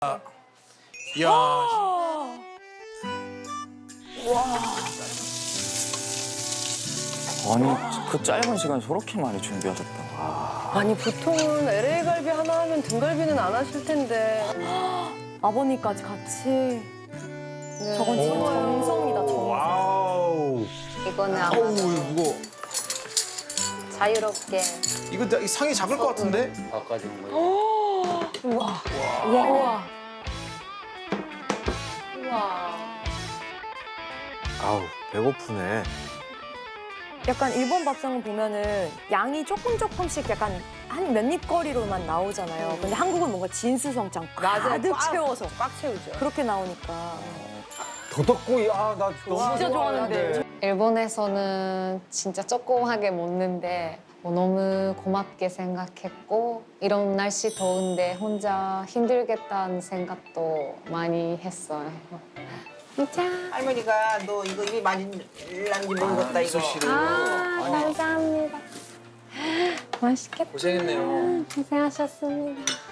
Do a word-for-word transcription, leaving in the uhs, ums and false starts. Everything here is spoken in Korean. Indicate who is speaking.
Speaker 1: 이야.
Speaker 2: 아니 그 짧은 시간에 저렇게 많이 준비하셨다.
Speaker 3: 아니 보통은 엘에이 갈비 하나 하면 등갈비는 안 하실 텐데.
Speaker 4: 아버님까지 같이.
Speaker 3: 네.
Speaker 4: 저건 진짜 정성이다, 정성.
Speaker 1: 와우.
Speaker 5: 이거는 아마
Speaker 1: 어우, 이거 무거워.
Speaker 5: 자유롭게.
Speaker 1: 이거 나- 이 상이 작을 것 같은데?
Speaker 6: 바꿔준 거예요.
Speaker 4: 우와.
Speaker 5: 우와.
Speaker 6: 아우 배고프네.
Speaker 4: 약간 일본 밥상은 보면은 양이 조금 조금씩 약간 한 몇 입 거리로만 나오잖아요. 근데 한국은 뭔가 진수성찬 가득
Speaker 3: 꽉,
Speaker 4: 채워서
Speaker 3: 꽉 채우죠.
Speaker 4: 그렇게 나오니까.
Speaker 6: 도덕구이 아나 너무
Speaker 4: 진짜 좋아하는데.
Speaker 5: 일본에서는 진짜 조그맣게 먹는데 뭐 너무 고맙게 생각했고 이런 날씨 더운데 혼자 힘들겠다는 생각도 많이 했어요. 진짜.
Speaker 7: 할머니가 너 이거 입이 많이 난지 모르겠다 이거.
Speaker 5: 아, 감사합니다. 맛있겠다.
Speaker 1: 고생했네요.
Speaker 5: 고생하셨습니다.